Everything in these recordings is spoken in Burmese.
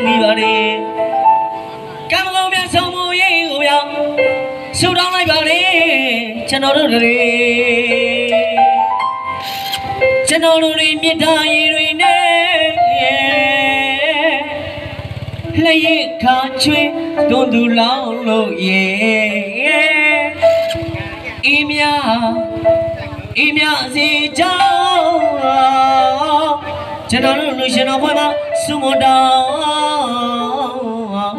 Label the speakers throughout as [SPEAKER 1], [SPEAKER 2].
[SPEAKER 1] မိပါလေကံကောင်းများဆုံးမရေးကိုရောက်ဆူတောင်းလိုက်ပါလေကျွန်တော်တို့တွေကျွန်တော်တို့တွေမြတ်တာရည်တွေနဲ့လျက်ခါချွေးတွန်းသူလောင်းလို့ရေအေးမြစီကြောင်းကျွန်တော်တို့လူရှင်တော်ဘွဲမှာစုမတောင်း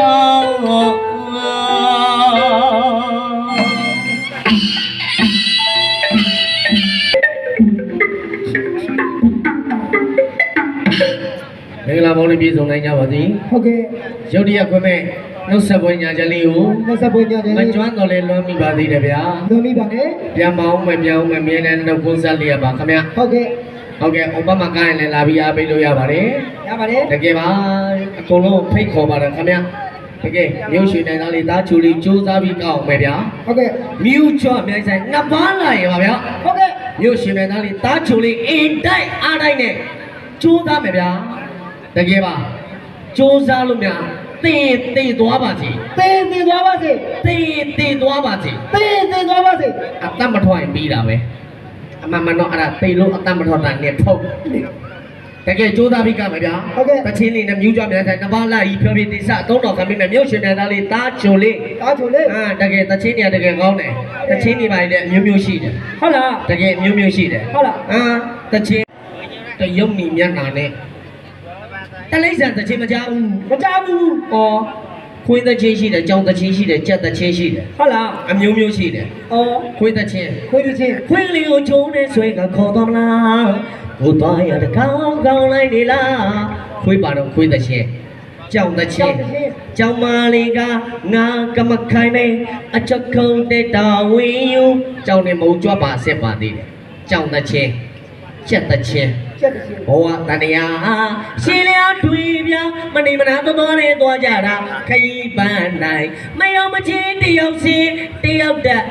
[SPEAKER 1] မင်္ဂလာပေါင်းနဲ့ပြည့်စုံနိုင်ကြပါသည်
[SPEAKER 2] ဟုတ်ကဲ့
[SPEAKER 1] ရုတ်တရက်ခွင့်မဲ့နှုတ်ဆက်ပွဲညာချက်လေးကို
[SPEAKER 2] နှုတ်ဆက်ပွဲညာချက်လေး
[SPEAKER 1] မကျွမ်းတော်လဲလွှမ်းမိပါသေးတယ်ဗျာ
[SPEAKER 2] လွှမ်းမိပါနဲ့
[SPEAKER 1] ပြန်မအောင်မယ်ပြန်အောင်မယ်မြင်းနဲ့တော့ကွန်းဆက်လေးရပါခင်ဗျာ
[SPEAKER 2] ဟုတ်ကဲ့
[SPEAKER 1] ဥပမာကိုင်းလည်းလာပြီးအားပေးလို့ရပါတယ်
[SPEAKER 2] ရပါတယ်
[SPEAKER 1] တကယ်ပါအကုန်လုံးဖိတ်ခေါ်ပါတယ်ခင်ဗျာတကယ်မြို့ရွှေနိုင်သားလေးသားချူလေးစူးစမ်းပြီးကောက်အောင်မယ်ဗျာ
[SPEAKER 2] ဟုတ်ကဲ့
[SPEAKER 1] မြို့ချော့အမြိုင်ဆိုင်နှစ်ပါးလာရပါဗျာ
[SPEAKER 2] ဟုတ်ကဲ့
[SPEAKER 1] မြို့ရွှေနိုင်သားလေးသားချူလေးအင်တိုက်အားတိုက်နဲ့စူးစမ်းမယ်ဗျာတကယ်ပါစူးစမ်းလို့များတေးသွားပါစေ
[SPEAKER 2] တေးသွားပါစေ
[SPEAKER 1] တေးသွားပါစေ
[SPEAKER 2] တေးသွားပါစေ
[SPEAKER 1] အတတ်မထွားရင်ပြီးတာပဲအမှန်တော့အဲ့ဒါတေးလို့အတတ်မထွားတာနဲ့ထုတ်တကယ်ကြိုးစားပြီးကမယ်ဗျာ
[SPEAKER 2] ဟုတ်ကဲ့
[SPEAKER 1] တချင်းလေးနဲ့မြူးကြမြန်ဆိုင်နှစ်ပါးလာကြီးဖြောပြတိစအသုံးတော်ခံပြီးမယ်မြို့ရှင်မြန်သားလေးတားချိုလေးတကယ်တချင်းတွေကတကယ်ကောင်းတယ်တချင်းတွေပါလေအမျိုးမျိုးရှိတယ်
[SPEAKER 2] ဟုတ်လား
[SPEAKER 1] တကယ်အမျိုးမျိုးရှိတယ်
[SPEAKER 2] ဟုတ်လား
[SPEAKER 1] တချင်းတရုပ်နီမျက်နှာနဲ့တလိမ့်ဆန်တချင်းမကြောက်ဘူး
[SPEAKER 2] ဩ
[SPEAKER 1] ခွေးတချင်းရှိတယ်ကြောင်တချင်းရှိတယ်ကြက်တချင်းရှိတယ်
[SPEAKER 2] ဟုတ်လား
[SPEAKER 1] အမျိုးမျိုးရှိတယ်ခွေးတချင်း
[SPEAKER 2] ခွေး
[SPEAKER 1] လေးကိုချုံနေဆွဲကခေါ်တော်မလားကိုသွားရတကောင်းကောင်းလိုက်နေလားခွေးပါတော့ခွေးတချင်းကြောင်တချင်းကြောင်မလေးကငါကမခိုင်မေအချက်ခုံတဲ့တာဝင်းယူကြောင်နေမုံကြွပါဆက်ပါသေးတယ်ကြောင်တချင်းကြက်တချင်းဘောတန်ရာရှင်လျာတွေ့ပြမနေမနာတော်နဲ့သွားကြတာခရီးပန်းနိုင်မယောမချင်းတယောက်စီတယောက်တက်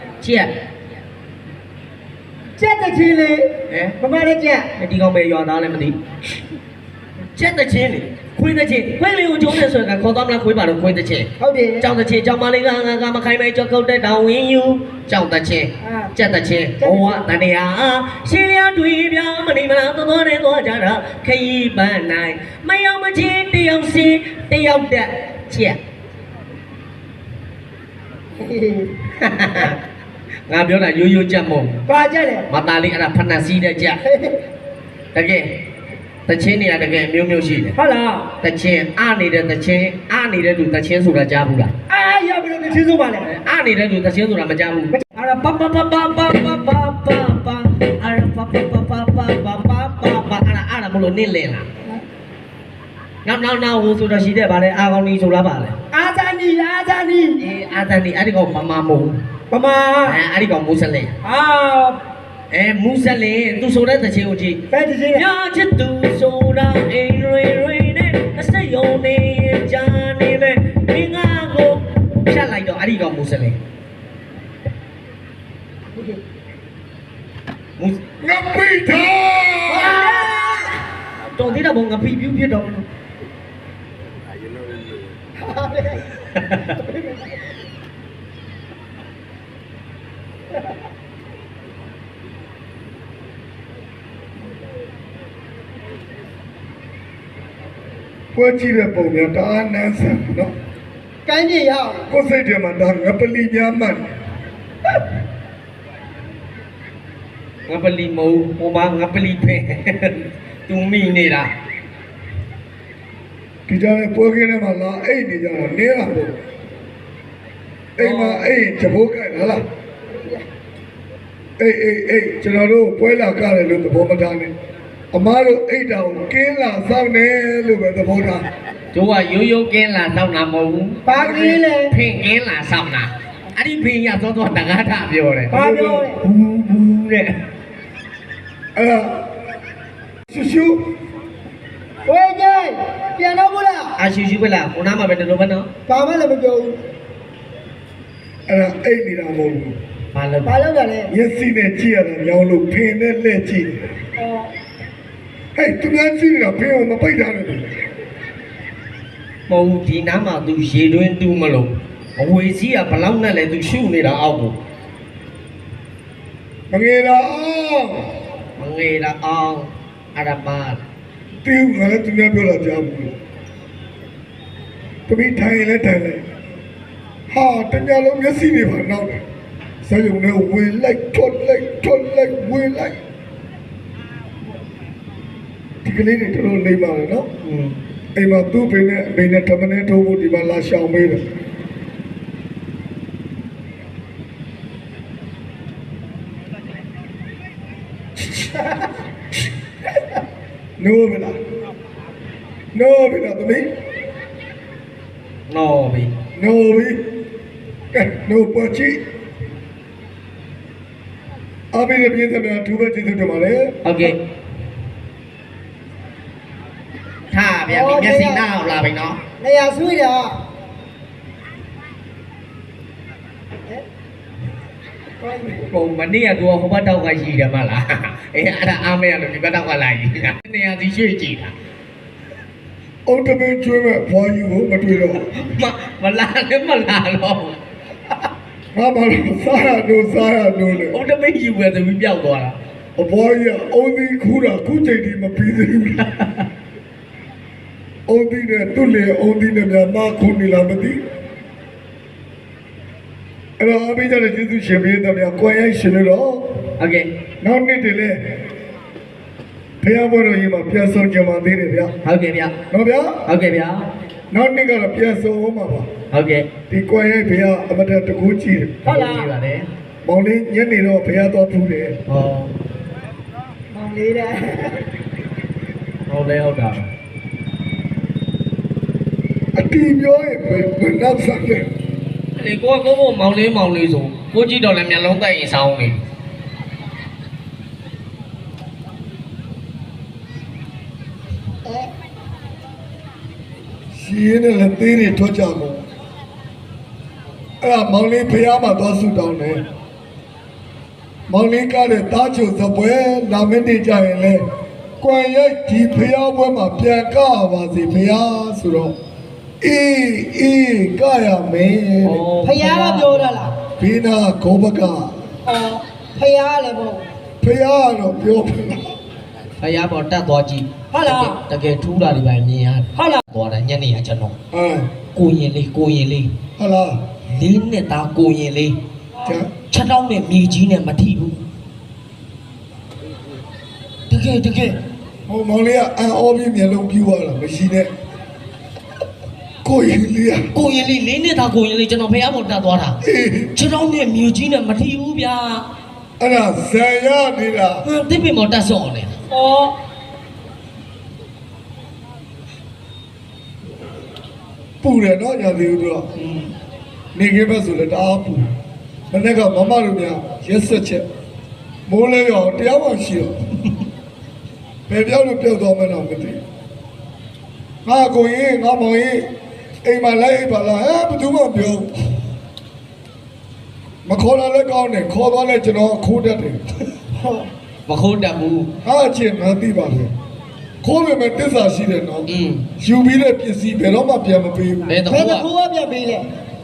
[SPEAKER 2] ကြက်တချင်းလေမမလည်းကြက်
[SPEAKER 1] ဒီကောင်ပဲရွာသားလည်းမသိကြက်တချင်းလေခွေးတချင်းခွေးလေးကိုကျုံးနေဆိုရင်ခေါ်သွားမလားခွေးပါတော့ခွေးတချင်း
[SPEAKER 2] ဟုတ်တယ်
[SPEAKER 1] ကြောင်တချင်းကြောင်မလေးကငါမခိုင်မဲကြောက်ကုတ်တဲ့တောင်ဝင်းယူကြောင်တချင်းကြက်တချင်းဘောတန်ရာရှင်လျာတွေ့ပြမနေမလားတော်နဲ့သွားကြတာခရီးပန်းနိုင်မယောမချင်းတယောက်စီတယောက်တက်ကြက်ငါပြောတာရိုးရိုးကြက်မဟုတ်
[SPEAKER 2] ပါကြက်လေ
[SPEAKER 1] မသားလေးအဲ့ဒါဖဏစီးတဲ့ကြက်တကယ်တချင်းနေရတကယ်မျိုးမျိုးရှိတယ်
[SPEAKER 2] ဟုတ်လား
[SPEAKER 1] တချင်းနေတဲ့တချင်းနေတဲ့သူတချင်းဆိုတာကြားဘူးလား
[SPEAKER 2] ရပြီလို့တချင်းဆိုပါလေ
[SPEAKER 1] နေတဲ့သူတချင်းဆိုတာမကြားဘူးအဲ့ဒါပပပပပပပပအဲ့ဒါပပပပပအဲ့ဒါမလို့နင့်လင်လားနောက်ဟိုဆိုတာရှိတဲ့ဗာလဲအာကောင်းကြီးဆိုလားဗာလဲ
[SPEAKER 2] အာဇာနီ
[SPEAKER 1] အာဇာနီအဲ့ဒီကောင်မမမို့
[SPEAKER 2] ပမာ
[SPEAKER 1] အဲ့ဒီကောင်မူဆလင်မူဆလင်သူဆိုတဲ့တချင်းကိုကြည့်
[SPEAKER 2] ဘယ်တချင်းလဲ
[SPEAKER 1] ညာချစ်သူဆိုတာအိမ်တွေနဲ့အစက်ယုံနေကြနေမယ်ဒီငါကိုဖြတ်လိုက်တော့အဲ့ဒီကောင်မူဆလင်ငါပိထားတော်သေးတာဘုံငါပိပြူဖြစ်တော့
[SPEAKER 3] ပွဲကြည့်တဲ့ပုံများဒါအနန်းဆန်နော်
[SPEAKER 2] ကမ်းပြေရအောင်
[SPEAKER 3] ကိုယ်စိတ်ထဲမှာဒါငပလီများမှန်
[SPEAKER 1] ငပလီမဟုတ်ဟိုမှာငပလီပဲသူမိနေတာ
[SPEAKER 3] ဒီကြားနဲ့ပွဲခင်းထဲမှာလာအိတ်နေကြတာနေလားပေါ့အိမ်မှာအိတ်ချဘိုးကဲ့လားအေးကျွန်တော်တို့ပွဲလာကြတယ်လို့သဘောမထားနဲ့အမားတို့အိတ်တောင်ကင်းလာစောင့်နေလို့ပဲသဘောထား
[SPEAKER 1] တို့ကရိုးကင်းလာစောင့်တာမဟုတ်ဘူး
[SPEAKER 2] ဘာကင်းလဲ
[SPEAKER 1] ဖင်ကင်းလာစောင့်တာအဲ့ဒီဖင်ရသောတကားထပြောတယ်
[SPEAKER 2] ဘာပြောလဲ
[SPEAKER 1] ဘူးတဲ့
[SPEAKER 3] အဲ့ရှူ
[SPEAKER 2] ဝေးကြပြန်တော့ဘူးလား
[SPEAKER 1] ရှူပဲလားခုနမှာပဲတော်ပဲနော်
[SPEAKER 2] ဘာမှလည်းမပြောဘူး
[SPEAKER 3] အဲ့ဒါအိတ်နေတာမဟုတ်ဘူး
[SPEAKER 1] ဘာလို့
[SPEAKER 2] တာလဲ
[SPEAKER 3] မျက်စိနဲ့ကြည့်ရတာညောင်းလို့ဖင်နဲ့လက်ကြည့်ဟဲ့သူများကြည့်နေတာဖင်အောင်မပိတ်တာနဲ့
[SPEAKER 1] မဟုတ်ဒီနားမှာ तू ရေတွင်းတူးမလို့အဝေစီးကဘလောက်နဲ့လဲ तू ရှုနေတာအောက်ကို
[SPEAKER 3] မငယ်တော့အောင်
[SPEAKER 1] မငေတာအောင်အရပါ
[SPEAKER 3] တီးငါလည်းသူများပြောတာကြားဘူးတပီးထိုင်လဲထိုင်လဲဟာတညလုံးမျက်စိတွေပါနောက်တယ်စရုံနဲ့ဝင်လိုက်ထွက်လိုက်ဝင်လိုက်ဒီကလေးတွေတော်တော်လိမ့်ပါလေနော်အိမ်မှာသူ့ဖေနဲ့အမေနဲ့ဓမ္မနဲ့ထိုးဖို့ဒီမှာလာရှောင်မေးတယ်နိုးဗလားသမီး
[SPEAKER 1] နော်ပြီ
[SPEAKER 3] နိုးပြီကဲနိုးပေါ်ချီအဘိဓိပြည့်စုံတဲ့သူပဲကျေးဇူးတင်ပါလေ
[SPEAKER 1] ဟုတ်ကဲ့ထားဗျာဒီမျက်စိနားအောင်လာပြီနော်
[SPEAKER 2] နေရာဆွေးတာ
[SPEAKER 1] ပုံမနေ့ကသူကဟိုဘက်တောက်ကရှိတယ်မလားအေးအဲ့ဒါအားမရလို့ဒီဘက်တောက်ကလာကြီးနေရာစီရွှေ့ကြည့်တာ
[SPEAKER 3] အုတ်တပင်းကျွေးမဲ့ဘွားယူကိုမတွေ့တော့
[SPEAKER 1] မလာလည်းမလာတော့
[SPEAKER 3] ငါဘာလို့စားရနိုးလေ
[SPEAKER 1] ဟိုတမိတ်ယူပဲသူပြီးပြောက်သွားတာ
[SPEAKER 3] အဘွားကြီးအုံးသီးခူးတာခုချိန်ဒီမပြီးသေးဘူးအုံးသီးနဲ့သူ့လေအုံးသီးနဲ့များမခုနေလားမသိအဲ့တော့အဘိဓိတဲ့ကျေးဇူးရှင်ပေးတဲ့များကိုယ်ရိုက်ရှင်လို့တော့
[SPEAKER 1] ဟုတ်ကဲ့
[SPEAKER 3] နောက်နေ့တည်းလေဘုရားဘောတော်ကြီးမှာပြန်ဆောင်ကြမှာသေးတယ်ဗျာ
[SPEAKER 1] ဟုတ်ကဲ့ဗျာ
[SPEAKER 3] နော်ဗျာ
[SPEAKER 1] ဟုတ်ကဲ့ဗျာ
[SPEAKER 3] နောက်နေ့ကတော့ပြန်ဆောင်အောင်ပါပါ
[SPEAKER 1] ဟုတ်ကဲ့
[SPEAKER 3] ဒီကိုယ်ရိုက်ဘုရားအမတတကူကြည့်တယ်
[SPEAKER 1] ဟုတ်လားကြည့်ပါတယ်
[SPEAKER 3] မောင်လေးညနေတော့ဘုရားတော်ဖူးတယ်
[SPEAKER 1] ဟော
[SPEAKER 2] မောင်လေးတဲ့
[SPEAKER 1] ဟုတ်လဲဟုတ်တာ
[SPEAKER 3] အတီးပြောရင်ဘယ်နောက်ဆက်လဲ
[SPEAKER 1] လေကိုကမောင်လေးဆိုကိုကြည့်တော့လည်းမျက်လုံးတိုက်ရင်ဆောင်းနေ
[SPEAKER 3] ရှင်းနဲ့လက်သေးတွေထွက်ကြကုန်အဲ့ဒါမောင်လေးဖះမှာသွားဆုတောင်းတယ်မောင်လေးကလည်းတားချုံစပွဲလာမင်းနေကြရင်လေကွန်ရိုက်ဒီဖះပွဲမှာပြန်ကပါစေဖះဆိုတော့အေးကရမယ်
[SPEAKER 2] ဖယားကပြောတာလား
[SPEAKER 3] ဘီနာကိုဘက
[SPEAKER 2] အော်ဖယားလည်းမဟုတ်
[SPEAKER 3] ဖះတော့ပြောဖလား
[SPEAKER 1] ဖယားပေါ်တက်သွားကြည့်
[SPEAKER 2] ဟုတ်လား
[SPEAKER 1] တကယ်ထူးတာတွေပဲမြင်ရတယ်
[SPEAKER 2] ဟုတ်လား
[SPEAKER 1] သွားတယ်ညနေကကျွန်တော်
[SPEAKER 3] အဲ
[SPEAKER 1] ကိုရင်လေး
[SPEAKER 3] ဟလာ
[SPEAKER 1] လေးနှစ်သားကိုရင်လေး
[SPEAKER 3] ကျန်
[SPEAKER 1] ချက်တောင်းနဲ့မြေကြီးနဲ့မထိဘူးတကယ်
[SPEAKER 3] ဟိုမောင်လေးကအန်အောပြီးမျက်လုံးပြူသွားတာမရှိနဲ့ကိုရင်လေးอ่ะ
[SPEAKER 1] ကိုရင်လေးလေးနှစ်သားကိုရင်လေးကျွန်တော်ဖယားပေါ်တက်သွားတာ
[SPEAKER 3] အေး
[SPEAKER 1] ချက်တောင်းနဲ့မြေကြီးနဲ့မထိဘူးဗျာ
[SPEAKER 3] အဲ့ဒါဇံရနေတာ
[SPEAKER 1] ဟမ်တစ်ပင်ပေါ်တက်စော့နေ
[SPEAKER 2] အော်
[SPEAKER 3] ပူတယ်နော်ညာသေးဘူးတော့နေခင်းဘက်ဆိုလည်းတအားပူမနေ့ကမမတို့များရက်ဆက်ချက်မိုးလဲရောတရားမှရှိတော့ဘယ်ပြောက်လို့ပြောက်သွားမှန်းတော့မသိငါကိုရင်ငါမောင်ရင်အိမ်မှာလိုက်အိပ်ပါလားဟဲ့ဘယ်သူမှပြောမခေါ်လာလည်းကောင်းတယ်ခေါ်သွားလဲကျွန်တော်ခိုးတတ်တယ်
[SPEAKER 1] မခိုးတက်ဘူး
[SPEAKER 3] ဟာချင်းငါသိပါလေခိုးပေမဲ့တစ္ဆာရှိတယ်နော်
[SPEAKER 1] อืม
[SPEAKER 3] ယူပြီးတဲ့ပစ္စည်းဘယ်တော့မှပြန်မပေးဘူး
[SPEAKER 1] ဘယ်တော့
[SPEAKER 2] ဘယ်
[SPEAKER 1] က
[SPEAKER 2] တစ်ခုကပြတ်ပေးလဲ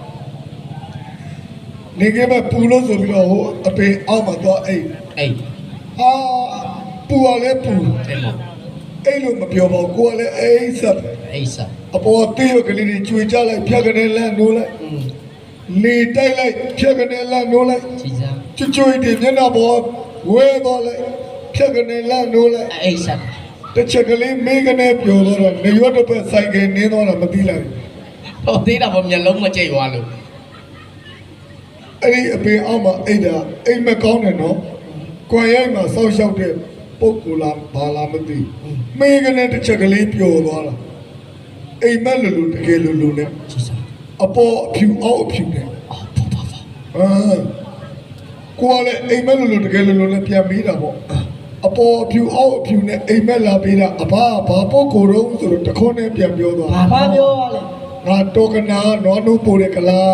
[SPEAKER 3] နေကပဲပူလို့ဆိုပြီးတော့ဟိုအပေအောက်မှာတော့အိတ်
[SPEAKER 1] အေး
[SPEAKER 3] ဟာပူရလဲပူ
[SPEAKER 1] အဲ့မ
[SPEAKER 3] အိတ်လို့မပြောပါဘူးကိုကလည်းအိတ်ဆက်ပဲ
[SPEAKER 1] အေးစား
[SPEAKER 3] အပေါ်တေးရကလေးတွေကျွေကြလိုက်ဖြတ်ကနေလန့်နိုးလိုက်
[SPEAKER 1] อืม
[SPEAKER 3] လေတိုက်လိုက်ဖြတ်ကနေလန့်နိုးလိုက်
[SPEAKER 1] ကြည်စား
[SPEAKER 3] ကျွေတွေမျက်နှာပေါ်ဝဲသွားလိုက်ဖြတ်ကနေလန့်နိုးလိုက်
[SPEAKER 1] အေးစား
[SPEAKER 3] တစ်ချက်ကလေးမေးကနေပြောတော့နေရွတ်တစ်ပတ်ဆိုင်ကနင်းသွားတာမသိလိုက်
[SPEAKER 1] ဟောသေးတာပေါ့မျက်လုံးမကြိတ်သွားလို့
[SPEAKER 3] အဲ့ဒီအပေအောက်မှာအိတ်တာအိတ်မကောင်းတယ်နော်ကွန်ရိုက်မှာစောက်ရှောက်တဲ့ပုံကူလာဘာလာမသိမေးကနေတစ်ချက်ကလေးပျော်သွားတာအိမ်မက်လူတကယ်လူနဲ့
[SPEAKER 1] ကြည်စား
[SPEAKER 3] အပေါ်အဖြူအောက်အဖြူနဲ့
[SPEAKER 1] အော်ဖဖဖ
[SPEAKER 3] ကိုကလည်းအိမ်မက်လူတကယ်လူနဲ့ပြန်ပြီးတာပေါ့အပေါ်အဖြူအောက်အဖြူနဲ့အိမ်မက်လာပြီးတာအဘဘာပုံကိုတော့ဆိုတော့တခေါနဲ့ပြန်ပြောသွား
[SPEAKER 2] ဘာပြောရလဲ
[SPEAKER 3] ငါတော့ကနာနွားနိုးပို့တဲ့ကလား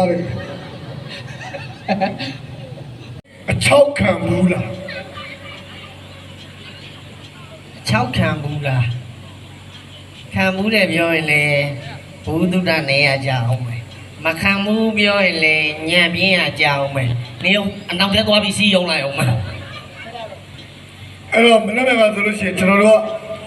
[SPEAKER 3] တဲ့အချောက်ခံဘူးလား
[SPEAKER 1] 6ခံဘူးလားခံဘူးတယ်ပြောရင်လေဘူးတုဒ္ဒနေရကြအောင်မယ်မခံဘူးပြောရင်လေညံပြင်းရကြအောင်မယ်နေအနောက်ထဲသွားပြီးစီးရုံလိုက်အောင်မယ်
[SPEAKER 3] အဲ့တော့မနေ့ကဆိုလို့ရှိရင်ကျွန်တော်တို့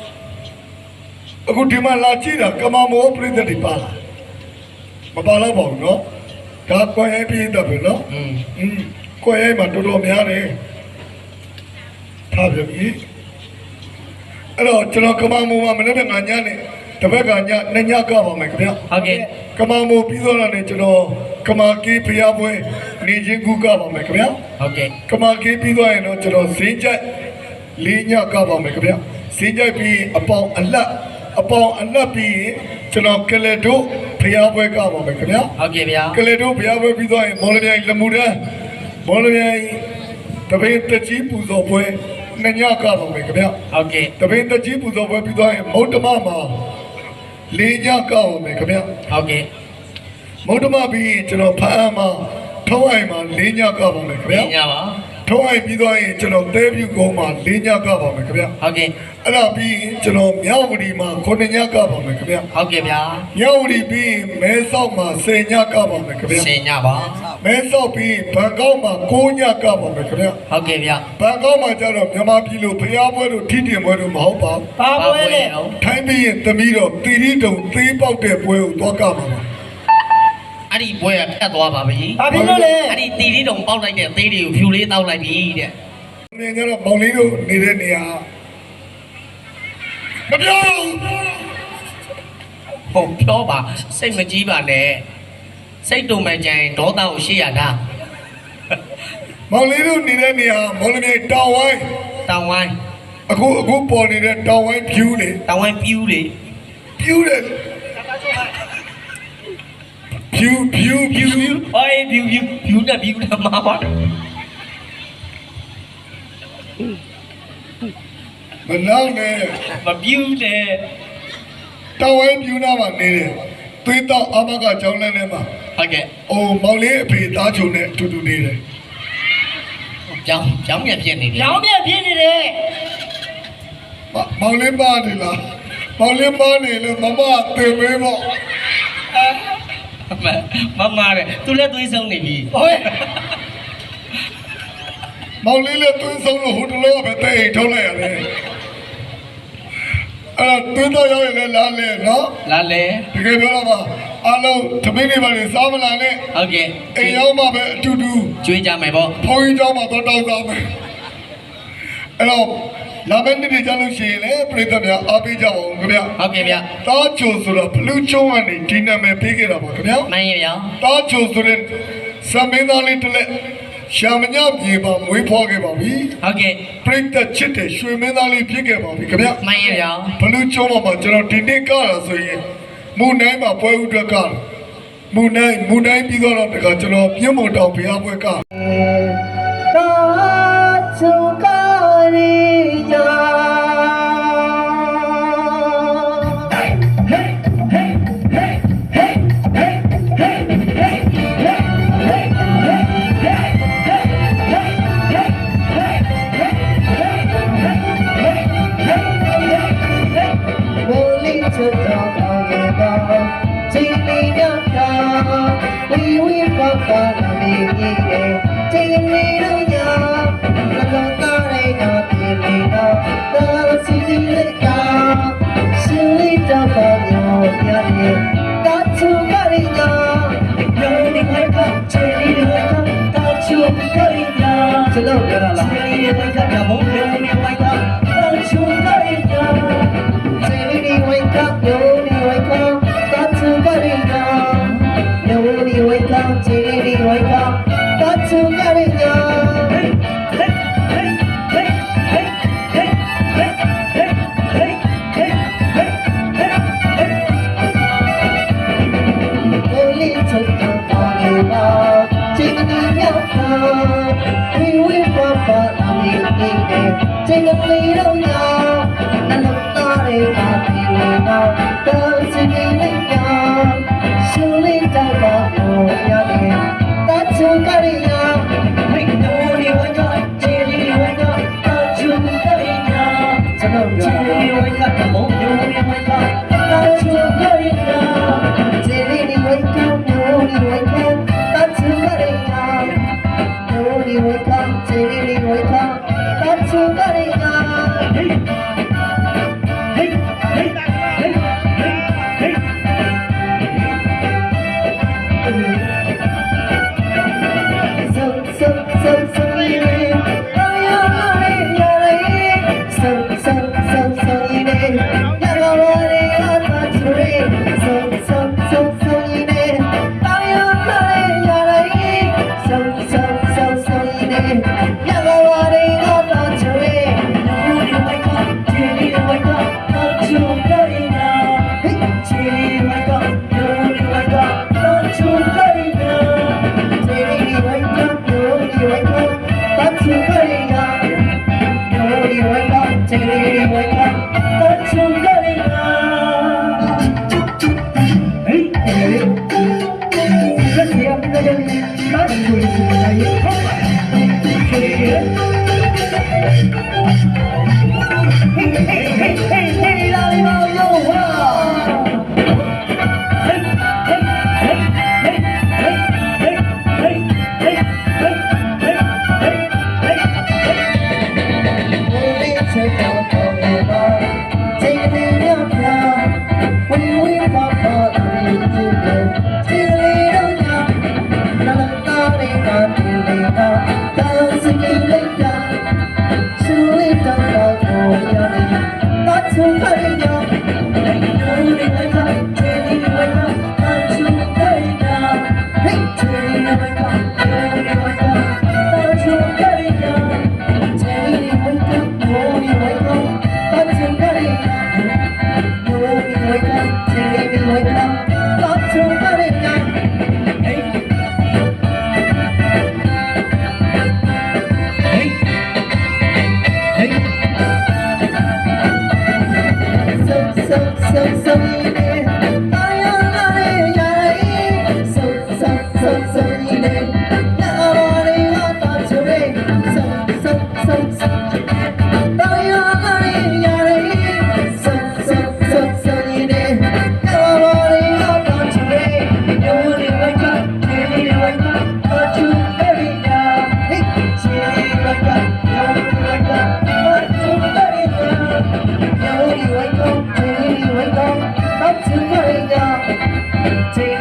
[SPEAKER 3] အခုဒီမှာလာကြည့်တာကမမောပြိတ္တိပါလားမပါတော့ပါဘူးနော်ဒါကိုယ်ရေးပြည့်တယ်ပဲနော်ကိုယ်ရေးမှာတော်တော်များတယ်ထားပြီအဲ့တော့ကျွန်တော်ကမမောမှာမနေ့ကညနေတပတ်ကညနှစ်ညကပါမယ်ခင်ဗျာ
[SPEAKER 1] ဟုတ်ကဲ့
[SPEAKER 3] ကမမောပြီးတော့လည်းကျွန်တော်ကမာကီးဖျားပွဲနေချင်းကူကပါမယ်ခင်ဗျာ
[SPEAKER 1] ဟုတ်ကဲ့
[SPEAKER 3] ကမာကီးပြီးတော့ရင်တော့ကျွန်တော်ဈေးကြိုက်လေးညကပါမယ်ခင်ဗျာဈေးကြိုက်ပြီးအပေါင်အလတ်ပြီးကျွန်တော်ကလေတို့ဖျားပွဲကပါမယ်ခင်ဗျာ
[SPEAKER 1] ဟုတ်ကဲ့ဗျာ
[SPEAKER 3] ကလေတို့ဖျားပွဲပြီးတော့ရင်မော်လမြိုင်လမှုတန်းမော်လမြိုင်တပင်းတကြီးပူဇော်ပွဲနှစ်ညကပါမယ်ခင်ဗျာ
[SPEAKER 1] ဟုတ်ကဲ့
[SPEAKER 3] တပင်းတကြီးပူဇော်ပွဲပြီးတော့ရင်မௌတ္တမမှာလေးညကပါမယ်ခင်ဗျာ
[SPEAKER 1] ဟုတ်ကဲ့
[SPEAKER 3] မௌတ္တမပြီးကျွန်တော်ဖမ်းမှာထုံးအိမ်မှာလေးညကပါမယ်ခင်ဗျာ
[SPEAKER 1] ညပါ
[SPEAKER 3] ထုံးအိမ်ပြီးတော့ရင်ကျွန်တော်တဲပြူကုန်းမှာလေးညကပါမယ်ခင်ဗျာ
[SPEAKER 1] ဟုတ်ကဲ့
[SPEAKER 3] အဲ့ဒါပြီးကျွန်တော်မြောက်ဝတီမှာ9ညကပါမယ်ခင်ဗျာ
[SPEAKER 1] ဟုတ်ကဲ့ဗျာ
[SPEAKER 3] မြောက်ဝတီပြီးမဲဆောက်မှာ10ညကပါမယ်ခင်ဗျာ
[SPEAKER 1] ဆင်ညပါ
[SPEAKER 3] မဲဆောက်ပြီးဘန်ကောက်မှာ9ညကပါမယ်ခင်ဗျာ
[SPEAKER 1] ဟုတ်ကဲ့ဗျာ
[SPEAKER 3] ဘန်ကောက်မှာကျတော့မြန်မာပြည်လိုဖျားပွဲတို့ထိတင်ပွဲတို့မဟုတ်ပါဘူး
[SPEAKER 2] ဘာပွဲလဲ
[SPEAKER 3] ထိုင်းပြီးရင်သမီးတော့တီတီတုံသေးပေါက်တဲ့ပွဲကိုသွားကမှာပါ
[SPEAKER 1] အဲ့ဒီပွဲကဖြတ်သွားပါပြီ
[SPEAKER 2] ဘာဖြစ်လို့လဲ
[SPEAKER 1] အဲ့ဒီတီတီတုံပေါက်လိုက်တဲ့သေးတွေကိုဖြူလေးတောက်လိုက်ပြီတဲ့
[SPEAKER 3] နေကြတော့မောင်လေးတို့နေတဲ့နေရာမပြော
[SPEAKER 1] ဟုတ်ပြောပါစိတ်မကြီးပါနဲ့စိတ်တုံမှကြရင်ဒေါသကိုရှေ့ရတာ
[SPEAKER 3] မောင်လေးတို့နေတဲ့နေရာမောင်လေးမြေတောင်ဝိုင်း
[SPEAKER 1] တောင်ဝိုင်း
[SPEAKER 3] အခုပေါ်နေတဲ့တောင်ဝိုင်းဖြူလေ
[SPEAKER 1] တောင်ဝိုင်းပြူးလေ
[SPEAKER 3] ဖြူတယ်ဖြူ
[SPEAKER 1] ဟိုပြူးနဲ့ပြူးနဲ့မှာပါ
[SPEAKER 3] မနောက်နဲ့
[SPEAKER 1] မပြူးနဲ့
[SPEAKER 3] တောင်ဝိုင်းဖြူနာမှာနေတယ်သွေးတော့အမကကြောင်းလန်းထဲမှာ
[SPEAKER 1] ဟုတ်ကဲ့
[SPEAKER 3] အိုးမောင်လေးအဖေသားချုံနဲ့အတူတူနေတယ်
[SPEAKER 1] ကြောင်းပြန်ဖြစ်နေတယ်
[SPEAKER 2] ရောင်းမြက်ပြင်းနေတယ်
[SPEAKER 3] မောင်လေးပါတယ်လားမောင်လေးပါနေလို့မမတင်မေးပေါ့
[SPEAKER 1] မမတဲ့သူလည်းသွေးဆုံးနေပြီ
[SPEAKER 2] ဟို
[SPEAKER 3] မောင်လေးလည်းသွေးဆုံးလို့ဟိုတလောပဲတဲ့အိမ်ထုတ်လိုက်ရတယ်အဲ့တော့သွေးတော့ရောက်ရင်လည်းလားလေနော်
[SPEAKER 1] လာလေ
[SPEAKER 3] တကယ်ပြောတော့ပါအားလုံးသမီးတွေပါလေစားမလာနဲ့
[SPEAKER 1] ဟုတ်ကဲ့
[SPEAKER 3] အိမ်ရောက်မှပဲအတူတူ
[SPEAKER 1] ကျွေးကြမယ်ပေါ့
[SPEAKER 3] ဘုန်းကြီးကျောင်းမှာတော့တောင်းစားမယ်အဲ့တော့လာမယ့်နေ့တွေကြလို့ရှိရင်လည်းပြည်သက်များအားပေးကြပါဦးခင်ဗျာ
[SPEAKER 1] ဟုတ်ကဲ့ဗျ
[SPEAKER 3] တားချိုဆိုတော့ဘလူးချုံးကနေဒီနာမည်ပေးခဲ့တာပါခင်ဗျာ
[SPEAKER 1] မှန်ရဲ့ဗျ
[SPEAKER 3] တားချိုဆိုတဲ့စမင်းသားလေးတစ်လက်ရှာမညပြေပါမွေးဖွားခဲ့ပါပြီ
[SPEAKER 1] ဟုတ်ကဲ့
[SPEAKER 3] ပြည်သက်ချစ်တဲ့ရွှေမင်းသားလေးဖြစ်ခဲ့ပါပြီခင်ဗျာ
[SPEAKER 1] မှန်ရဲ့ဗျ
[SPEAKER 3] ဘလူးချုံးမှာကျွန်တော်ဒီနေ့ကတာဆိုရင်မူနိုင်မှာပွဲဥအတွက်ကမူနိုင်ပြီးတော့တခါကျွန်တော်ပြင်းမတောင်ဘုရားပွဲက
[SPEAKER 2] တာချူကာရီယာ ကျွန်တော်ပြောတာလားခြေလေးဝိုက်ကဘုံလေးနဲ့ဝိုက်ကတောချူကရိယာခြေလေးဝိက်ကယိုလေးဝိက်ကတောချူကရိယာယိုလေးဝိက်ကခြေလေးဝိက်ကတောချူကရိယာ这个没有呀，那老大的把皮围绕，都是你的呀，手里找到有呀的，大出个的呀，嘿，牛的我呀，这里我呀，大出个的呀，这里我呀，牛的我呀，大出个的呀。 ချင်းလေးတော့ညာနာတော်လေးကတင်လေးကတောင်းစကင်းလေးကရှူလေးတော့တော့ကိုရနေတော့ချုံခိုင်းရလေးနိုးလေးကချင်းလေးဝဲတော့ချုံခိုင်းရဟေးချင်းလေးဝဲတော့တော့ချုံခိုင်းရချင်းလေးဝဲတော့နိုးလေးဝဲတော့တော့ချုံခိုင်းရနိုးလေးဝဲတော့ချင်းလေးဝဲတော့တော့ချုံခိုင်းရဟေးTake